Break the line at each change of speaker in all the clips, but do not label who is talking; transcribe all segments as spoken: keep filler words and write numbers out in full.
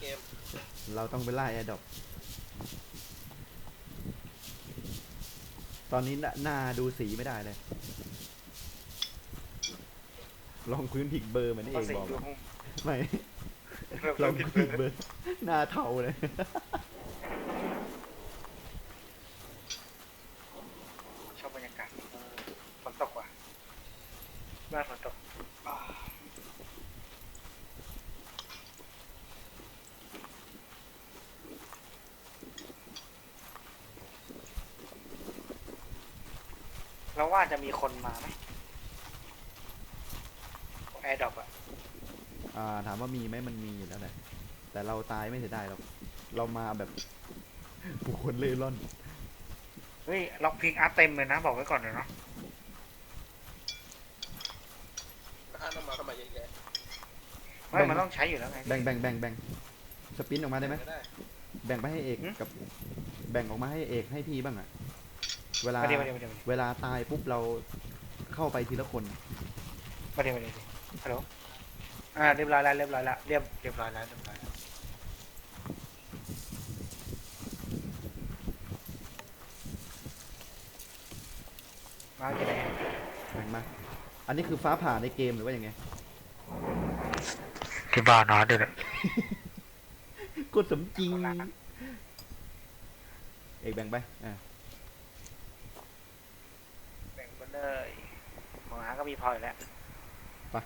กม
เราต้องไปล่าแอร์ดรอปตอนนี้หน้าดูสีไม่ได้เลยลองพื้นผิดเบอร์เหมือนเองบอกไม่ลองพื้นผิดเบอร์หน้าเทาเลย
ชอบบรรยากาศฝนตกว่ะบ้านฝนตกเราว่าจะมีคนมาไหมแอร์ดรอปอะ
อ่าถามว่ามีไหมมันมีอยู่แล้วแหละแต่เราตายไม่เสียดายหรอกเรามาแบบบุคคลเล่ร่อน
เฮ้ยล็อกพิกอาร์ตเต็มเลยนะบอกไว้ก่อนเลยเนาะ
อ่านออกมาทำไมเยอะแยะ
ไม่มันต้องใช้อยู่แล้วไง
แบ่งแบ่งแบ่งแบ่งสปินออกมาได้ไหม
ก็ได้
แบ่งไปให้เอกกับแบ่งออกมาให้เอกให้พี่บ้างอะเวลา
มาเดี๋ยวมาเดี๋ยวมาเดี๋ยว
เวลาตายปุ๊บเราเข้าไปทีละคน
มาเดี๋ยวมาเดี๋ยวฮัลโหลอ่าเรียบร้อยแล้วเรียบร้อยแล้วเรียบเรียบร้อยแล้วเรียบร้อยแล้วมาจะไหน
แบ่งมาอันนี้คือฟ้าผ่าในเกมหรือว่ายังไง
ที่บ้านนอนด้วยเลย
กดสมจริงเอกแบ่งไปอ่า
แบ่งไปเลยของอาก็มีพออยู่แล้ว
ไป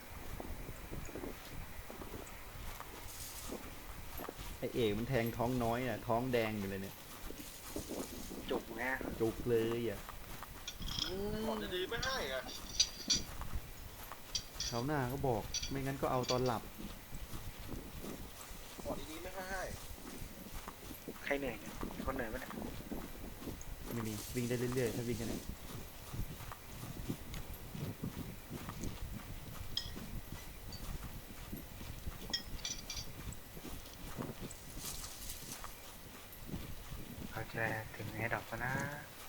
ไอเอกมันแทงท้องน้อยอ่ะท้องแดงอยู่เลยเนี่ย
จุกนะ
จุกเลยอ่ะ
ของดีๆไม่ให้อ่ะ
เขาหน้าก็บอกไม่งั้นก็เอาตอนหลับ
ของดีๆไม่ให้
ใครเหนื่อยเนี่ยคนเหนื่อยปะเนี่ย
ไม่มีวิ่งได้เรื่อยๆถ้าวิ่งกันเนี่ย
เขาจะถึงแอร์ดรอปแล้วนะ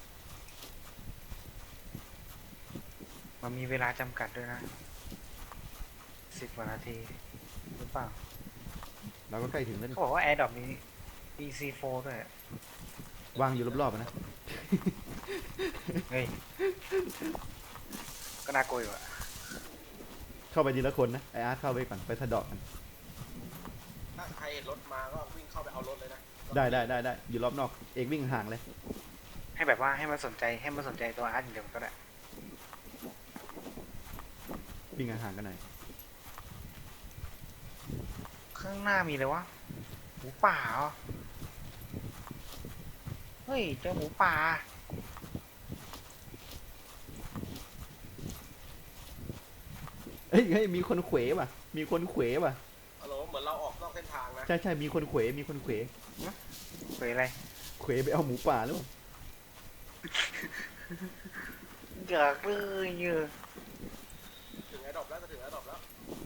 มันมีเวลาจำกัดด้วยนะสิบกว่านาทีหรือเปล่า
เราก็ใกล้ถึงแล้ว
เขาบอกว่าแอร์ดรอปนี้ อี ซี โฟร์ ด้วย
วางอยู่รอบๆนะ
เฮ้ยก็น่ากลัวอยู่อะ
เข้าไปทีละคนนะไออาร์ตเข้าไปก่อนไปสะดอกกัน
ถ้าใครเห็นรถมาก็วิ่งเข้าไปเอารถเลยนะ
ได้ได้ได้ได้อยู่รอบนอกเอกวิ่งห่างเลย
ให้แบบว่าให้มันสนใจให้มันสนใจตัวอาร์ตอย่างเดียวก็ได้
วิ่งห่างๆกันหน่อย
ข้างหน้ามีเลยวะหมูป่าเหรอเฮ้ยเจอหมูป่า
เฮ้ยเฮ้ยมีคนเขวป่ะมีคนเขวป่ะ
ฮัลโหลเหมือนเราออกนอกเส้นทางนะ
ใช่ใช่มีคนเขวมีคนเขว
เฮ้ยอะไร
เขวไปเอาหมูป่าหรือเปล่า
อยากเลยเยอะ
ถึงแอร์ดรอปแล้วจะถึงแอร์ดรอปแล้ว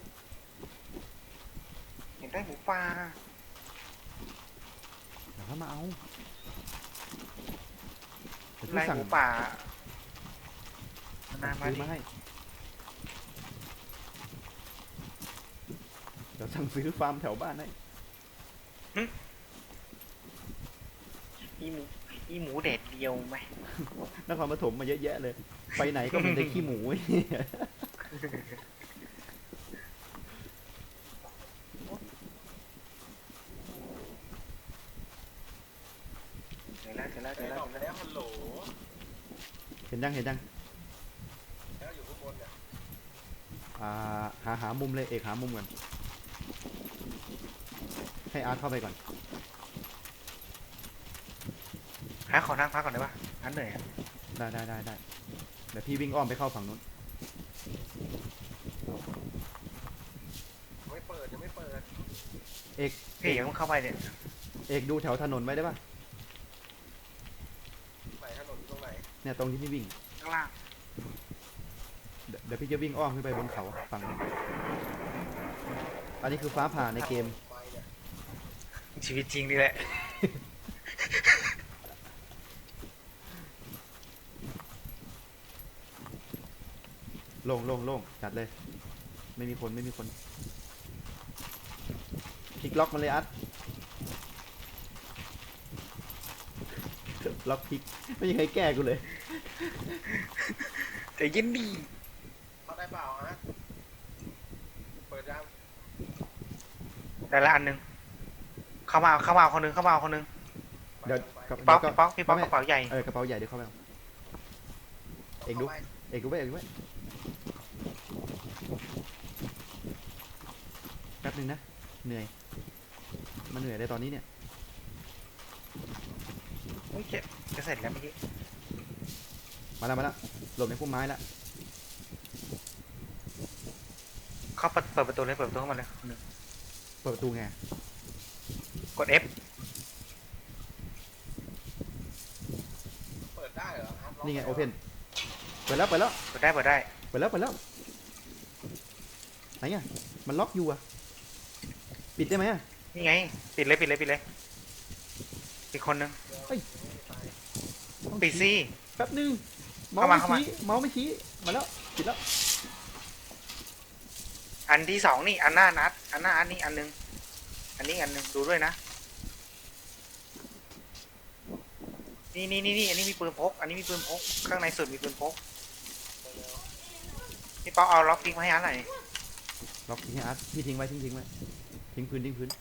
เห็นได้หมูป่า
เดี๋ยวเขามาเอา
ไล่หมูป่านามา
ซื้อมาให้เดี๋ยวสั่งซื้อฟาร์มแถวบ้านให้
อีหมูอีหมูเด็ดเดียวไหม
นครปฐมมาเยอะแยะเลยไปไหนก็มีแต่ขี้หมู
เดี๋ยวแล้วเดี๋ยวแล้ว
แอร์ดรอป
เดี๋ยวแล้ว
แล้วฮัลโหล
เห็นยังเห็นยัง
แล้วอยู่ข้างบนเนี่ย
อ่าหาหามุมเลยเอกหามุมก่อนให้อาร์ตเข้าไปก่อน
หาขอนั่งพักก่อนได้ปะอันเหนื่อย
ได้ได้ได้ได้เดี๋ยวพี่วิ่งอ้อมไปเข้าฝั่งนู้น
ไม่เปิดยังไม่เปิด
เอก
พี่อย่าเพิ่งเข้าไปเนี่ย
เอกดูแถวถนนไว้ได้ปะ
ไหนถนนอยู่ตรงไหน
เนี่ยตรงที่พี่วิ่ง
ข้างล่าง
เดี๋ยวพี่จะวิ่งอ้อมขึ้นไปบนเขาฝั่งนู้นอันนี้คือฟ้าผ่าในเกม
ชีวิตจริงดีแหละ
โล่งโล่งโล่งจัดเลยไม่มีคนไม่มีคนโอเคลิกล็อกมันเลยอัดล็อกพลิกไม่มีใครแก้กูเลย
แต่ยินดี
เข้าได้เปล่าฮะเปิดยัง
ได้ละอันหนึงเข้ามาเอาเข้ามาเอาคนหนึงเข้ามาเอาคนหนึง
เดี๋ยว
ไป
กับ
พี่ป๊อก
เดี๋ยว
พี่ป๊อกพี่ป๊อก
ไม่
กระเป๋าใหญ่
เออกระเป๋าใหญ่เดี๋ยวเข้าไปเอาเอกดู
ข้าไป
เอกดูไว้เอกดูไว้แป๊บนึงนะเหนื่อยมันเหนื่อยได้ตอนนี้เนี่ย
เฮ้ยจะจะเสร็จแล้วเมื่อกี้
มาแล้วมาแล้วหลบในพุ่มไม้แล้ว
เข้าเปิดเปิดประตูเลยเปิดประตูเข้ามาเลยคนหนึ่ง
เปิดประตูไง
กด F
เปิดได้เหรอครับ
นี่ไงโอเพนเปิดแล้วเปิดแล้ว
เปิดได้เปิดได้
เปิดแล้วเปิดแล้วไหนอ่ะมันล็อกอยู่อ่ะปิดได้ไหมอ่ะ
นี่ไงปิดเลยปิดเลยปิดเลยปิดคนหนึง
เฮ้ย
ปิดสิ
แป๊บนึงเมา
เข้า
ส์
มา
ไม่
เข้ามา
ชี้เมาส์ไม่ชี้มาแล้วปิดแล้ว
อันที่สองนี่อันหน้านัดอันหน้าอันนี้อันหนึงอันนี้อันหนึงดูด้วยนะนี่นี่นี่นี่อันนี้มีปืนพก อันนี้มีปืนพกข้างในสุดมีปืนพกพี่ป๊อกเอาล็อกพิกมาให้อันหน่อย
ล็อกทิ้งให้อาร์ตพี่ทิ้งไว้ทิ้งทิ้งไว้ทิ้งพื้นทิ้งพื้น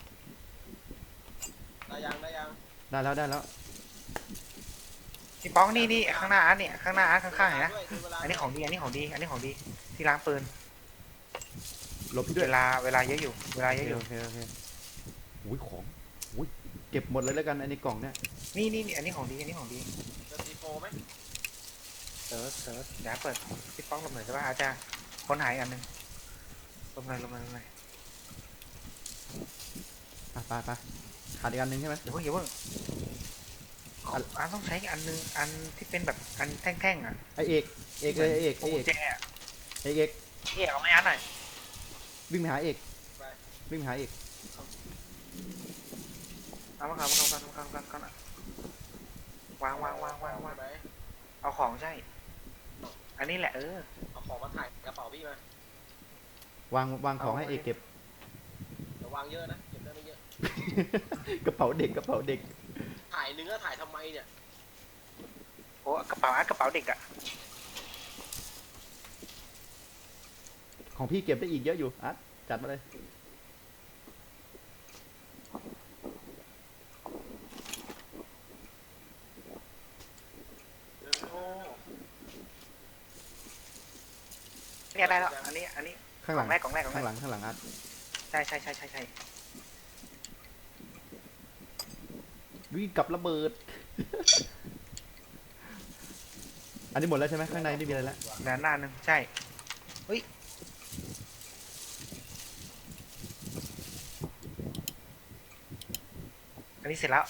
ได้ยังได้ยัง
ได้แล้วได้แล้ว
พี่ป๊อกนี่นี่ข้างหน้าอันนี่ข้างหน้าอันข้างๆเห็นนะ
ด้วยดูเวลา
อันนี้ของดีอันนี้ของดีอันนี้ของดีที่ล้างปืน
หลบพี่ด้วย
เวลาเวลาเยอะอยู่เวลา
โอ
เยอะ
เค
อยู่
โอเคโอเคอุ้ยของอุ้ยเก็บหมดเลยแล้วกันไอ้ในกล่องเนี่ย
นี่นี่นี่อันนี้ของดีอันนี้ของดี
เจอซีโฟไหม
เซิร์ชเซิร์ชเดี๋ยวเปิดพี่ป๊อกลงหน่อยใช่ป่ะอาจจะค้นหายอันหนึงลงเลยลงเลยลงเลย
อ่ะไปไปขาดอีกอันหนึงใช่ไหม
อย่าเพิ่งอย่าเพิ่งอันอันต้องใช้อันหนึงอันที่เป็นแบบอันแท่งๆอ่ะ
ไอเอกเอกเลยไอเอกไอ
โอ้
เอก
แจอะ
ไอเอก
เอ๊ะเอาไม่อันหน่อย
วิ่งไปหาเอกวิ่งไปหาเอก
เอามาครับเอามาครับเอามาครับเอามาครับวางวางวางวางวาง
ไหม
เอาของใช่ อันนี้แหละเออ
เอาของมาถ่ายกระเป๋าพี่มาว
างวางของให้เอกเก็บ
เดี๋ยววางเยอะนะเก็บได้ไม่เยอะ
กระเป๋าเด็กกระเป๋าเด็ก
ถ่ายเนื้อถ่ายทำไมเนี่ย
โอ้กระเป๋าอันกระเป๋าเด็กอะ
ของพี่เก็บได้อีกเยอะอยู่อาร์ตจัดมาเลย
โอ้
เนี่ยได้แล้วอันนี้อันนี้
ข้าง
ก
ห
ล่
ลั
อง งแรกกล่องแรกกล่อง
ข้าง
แร
หลั
ก
งข้างหลังอาร์ต
ใช่ใช่ใช่ใช่ใช่
วิ่งกับระเบิด อันนี้หมดแล้วใช่ไหมข้างในไม่มีอะไรแล้ว
ด้านหน้าหนึ่งใช่เฮ้ยอันนี้เสร็จแล้ว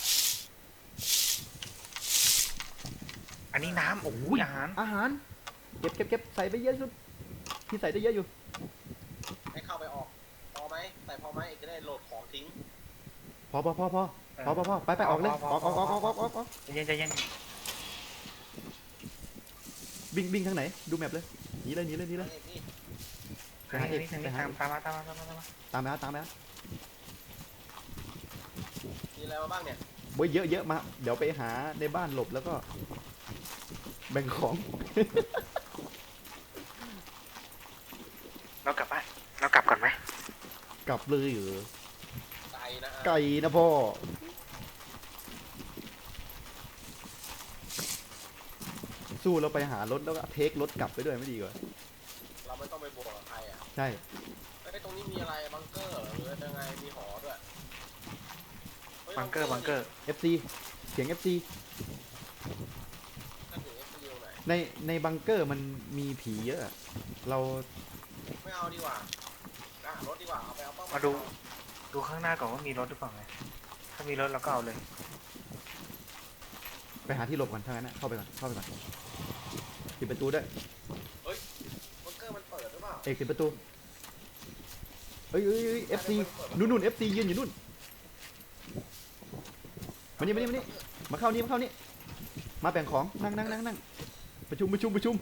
อันนี้น้ำโอ้โหอาหาร
อาหารเก็บเก็บเก็บใส่ไปเยอะสุดพี่ใส่ได้เยอะอยู่
ให้เข้าไปออกพอไหมใส่พอไหมเอกจะได้โหลดของทิ้ง
พอพอพอพอพอพอพอไปไปออกเลยออกออกออกออกออกออกออก
ใจเย็นใจเย็น
วิ่งวิ่งทางไหนดูแมพเลยหนีเลยหนีเลยหนีเลย
เอกนี่
ไปหาเอก
นี่
ไปหา
ตาม
เอก
ตามมาตามมาตามมาตามมา
ตามไปอาร์ตตามไปอาร์ต
มีอะไรมาบ้างเนี่ย
โว้ยเยอะเยอะมาเดี๋ยวไปหาในบ้านหลบแล้วก็แบ่งของ
เรากลับบ้านเรากลับก่อนไหม
กลับเลยเหรอ
ไก่นะ
ไก่นะพ่อสู้เราไปหารถแล้วก็เทครถกลับไปด้วยไม่ดีกว่า
เราไม่ต้องไปบวกกับใครอ่ะ
ใช่
ไอ้ตรงนี้มีอะไรบังเกอร์หรือยังไงมีหอด้วยฮ้ย
บังเกอร์บังเกอร์
เอฟซีเสียง เอฟ ซี
นั่นอยู่ เอฟ ซี ไหน
ในในบังเกอร์มันมีผีเยอะอะเรา
ไม่เอาดีกว่าอ่ะรถดีกว่าเอาไปเอาเป้าห
มาดู ดูข้างหน้าก่อนว่ามีรถหรือเปล่าไงถ้ามีรถเราก็เอาเลย
ไปหาที่หลบก่อนถ้างั้นนะเข้าไปก่อนเข้าไปก่อนปิดประตูด้วย
บังเกอร์มันเปิดหรือเปล่า
เอกปิดประตูเอ้ยเอ้ยเอ้ยเอฟซีนู่นนู่นเอฟซียืนอยู่นู่นมานี่มานี่มานี่มาเข้านี่มาเข้านี่มาแบ่งของนั่งนั่งนั่งนั่งประชุมประชุมประชุม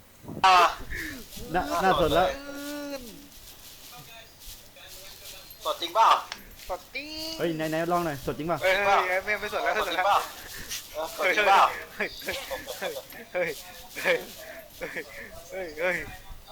น่าน่าสนแล้ว
สดจริงเปล่า
สดจริง
เฮ้ยไหนไหนลองหน่อยสดจริงป่ะ
เฮ้ยเฮ้ยเฮ้ยไม่ไม่สดแล้ว
ส
ไม่
ด
ส
จ
ด
ริง
แล้ว
เปล่าเออสดจริงเปล่า
เฮ้ยเฮ้ยเฮ้ยเฮ้ยเฮ้ย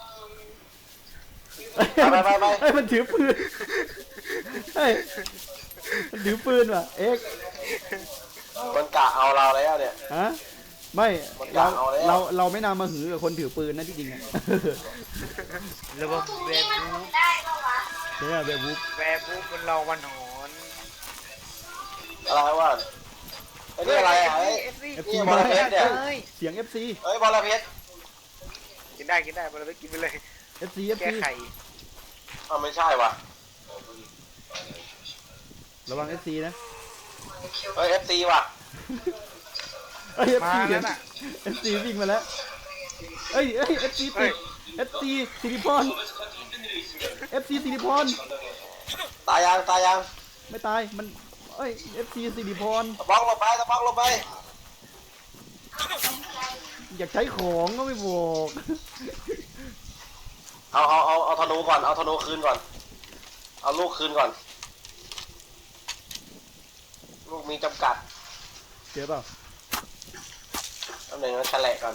ไปไปไป
เฮ้ยมันถือปืนเฮ้ยมันถือปืนว่ะเอ็กซ์
มันกะเอาเราแล้วเนี่ย
ฮะไม่
มัน
เรา
กะเอาแล้ว
เราเราไม่น่ามาหือกับคนถือปืนนะที่จริงอะ
ระบบแวร์บูฟ
เนี่ยแบบบุ๊ก
แวร์บูฟมันรอวันหอน
อะไรวะไอ้นี่อะไรอ่ะไอ้
เอฟซี
เอฟ
นี่
ซี
บอลเพชรเนี่ย
เฮ้ย
เสียงเอฟซี
เฮ้ยบอลเพชร
กินได้กินได้บอลไปกินไปเลย
เอฟซีเอฟ
แก้
ซี
ไข
อ้าวไม่ใช่ว่ะ
ระวังเอฟซีนะ
เฮ้ยเอฟซีว่ะ
เอ้ยเอฟ
มา
ซี
แล้วน่ะ
เอฟซีวิ่งมาแล้วเอ้ยเอ้ยเอฟซี
เฮ้
ติ
ย
ดเอฟซีสิริพรเอฟซีสิริพร
ตายยังตายยัง
ไม่ตายมันเอ้ยเอฟซีสิริพร
ตะบ้องลงไปตะบ้องลงไป
อยากใช้ของก็ไม่บอก
เอาเอาเอาเอาธนูก่อนเอาธนูคืนก่อนเอาลูกคืนก่อน ลูกมีจำกัด
เจอเปล่า
ตำแหน่งนั้นแฉลกก่อน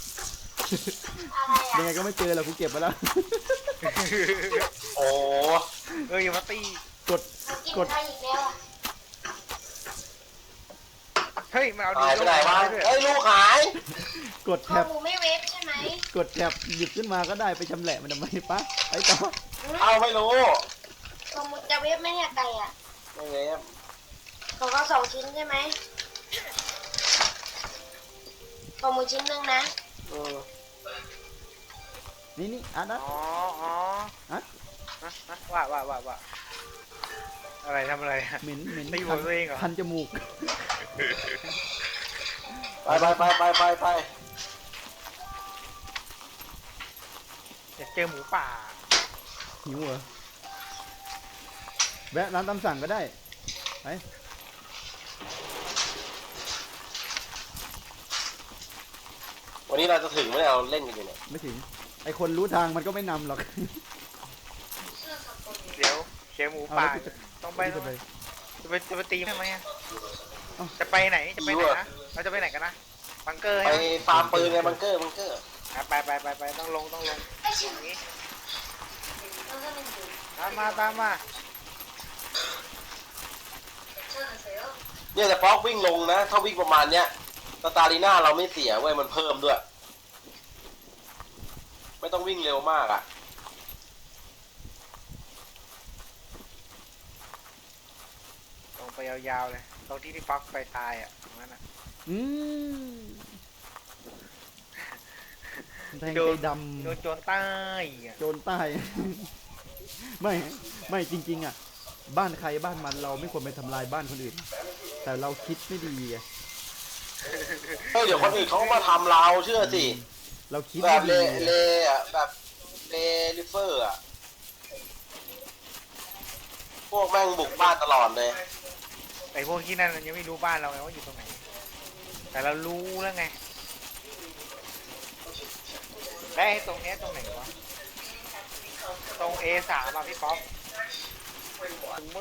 ยังไงก็ไม่เจอแล้วกูเก็บมาแล้ว
โอ้
เฮ้ยอย่ามาตี
กดกด
เฮ้ยมันเอาดี
หายไปไหนวะ
ด้วย
เฮ้ยลูกหาย
กด
พอ
แท็บ
หมูไม่เวฟใช่ไหม
กดแท็บหยิบขึ้นมาก็ได้ไปชำแหละมันทำไมปะไอ้ต่อ
เอาไม่รู้
พอหมูจะเวฟไหมเนี่ยไก่อ่ะ
ไม่เงี้ย
ของเขาสองชิ้นใช่ไหมพอหมูชิ้นหนึ่งนะ
อืม
นี่นี่อ่ะนะ
อ๋ออ๋อ
อ่ะ
ฮะฮะว่าว่าว่าว่าอะไรทำอะไรอะ
เหม็นเหม็น
ตีหัวตัวเองเหรอ
คันจมูก
ไปไปไปไปไปไป
อยากเจอหมูป่า
หิวเหรอแวะร้านตามสั่งก็ได้ไป
วันนี้เราจะถึงไหมเนี่ยเราเล่นกันอยู่เนี่ย
ไม่ถึงไอคนรู้ทางมันก็ไม่นำหรอก
เดี๋ยวเจอหมู
เอา
ป่า
แล้วกูจะ
ต้องไป
กู
ต้อ
จะ
ง
ไป
ไปจะไปจะไปตีทำไมอะ
เอ้า
จะไปไหนจะไปไหนนะเราจะไปไหนกันนะบังเกอร์
ไป
ใช่ไหม
ฟาร์มปืนไงบังเกอร์บังเกอร์
อ่ะไปไปไปไปต้องลงต้องลงอย่างนี้ตามมาตามมา
เนี่ยแต่ป๊อกวิ่งลงนะ ถ้าวิ่งประมาณเนี้ยสตาลีน่าเราไม่เสียเว้ยมันเพิ่มด้วย ไม่ต้องวิ่งเร็วมากอ่ะ
ลงไปยาวๆเลยตรงที่ที่ฟักไปตายอ่ะตรงนั้นอ่ะ
อืมแทง
โด
ใจ
น
ด
โดนโจรใต้อ่ะ
ำโจรใต้ ไม่ไม่จริง ๆ อ่ะ บ้านใครบ้านมันเราไม่ควรไปทำลายบ้านคนอื่น แต่เราคิดไม่ดีไง
เฮ้ยเดี๋ยวคนอื่นเขาก็มาทำเราเชื่อสิ
เราคิด
แบ
ไม่
บเล
ดี
เล
ไง
อ่ะแบบเลลิเฟอร์อ่ะ พวกแม่งบุกบ้านตลอดเลย
ไอ้พวกที่นั่นมันยังไม่รู้บ้านเราไงว่าอยู่ตรงไหน แต่เรารู้แล้วไงได้วไอ้ตรงเนี้ยตรงไหนวะตรง เอ สาม อ่ะพี่ป๊อป